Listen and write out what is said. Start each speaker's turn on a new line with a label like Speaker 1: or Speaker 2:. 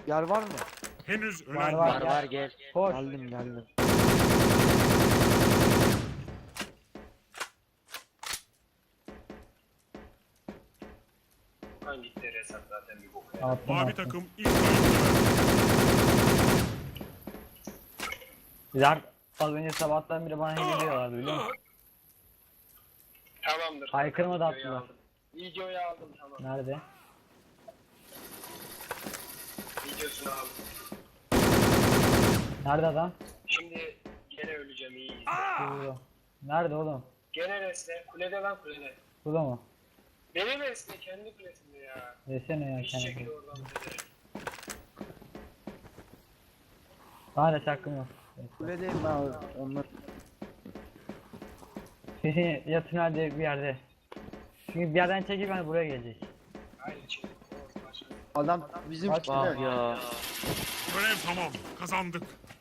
Speaker 1: Yer var mı?
Speaker 2: Henüz ölen
Speaker 3: Var,
Speaker 2: yok.
Speaker 3: var.
Speaker 4: Var gel.
Speaker 3: Koş.
Speaker 1: Geldim.
Speaker 5: Okan gitti Resat zaten bir bok.
Speaker 3: Attım,
Speaker 2: Mavi
Speaker 3: attım.
Speaker 2: takım ilk oyunda.
Speaker 3: Bizler az önce sabahtan beri bana hediye ediyorlardı biliyor musun?
Speaker 5: Tamamdır.
Speaker 3: Haykırma da
Speaker 5: Videoyu
Speaker 3: attılar.
Speaker 5: aldım. Videoyu aldım tamam.
Speaker 3: Nerede?
Speaker 5: Videosunu aldım.
Speaker 3: Nerede adam?
Speaker 5: Şimdi gene öleceğim iyi.
Speaker 3: Burada. Nerede oğlum?
Speaker 5: Gene resle. Kulede lan kulede.
Speaker 3: Burada mı?
Speaker 5: Benim resle kendi kulesinde ya.
Speaker 3: Desene ya
Speaker 5: İş çekil
Speaker 3: kendine.
Speaker 5: oradan kulede.
Speaker 3: Daha da çakkım yok.
Speaker 1: Kuledeyim ben abi. Onlar.
Speaker 3: Kesin ya tünelde bir yerde. Çünkü bir yerden çekip hani buraya gelecek.
Speaker 5: Haydi çekil.
Speaker 1: Adam bizim
Speaker 3: Bak
Speaker 1: kişiler.
Speaker 4: Ya.
Speaker 2: Görev tamam. Kazandık.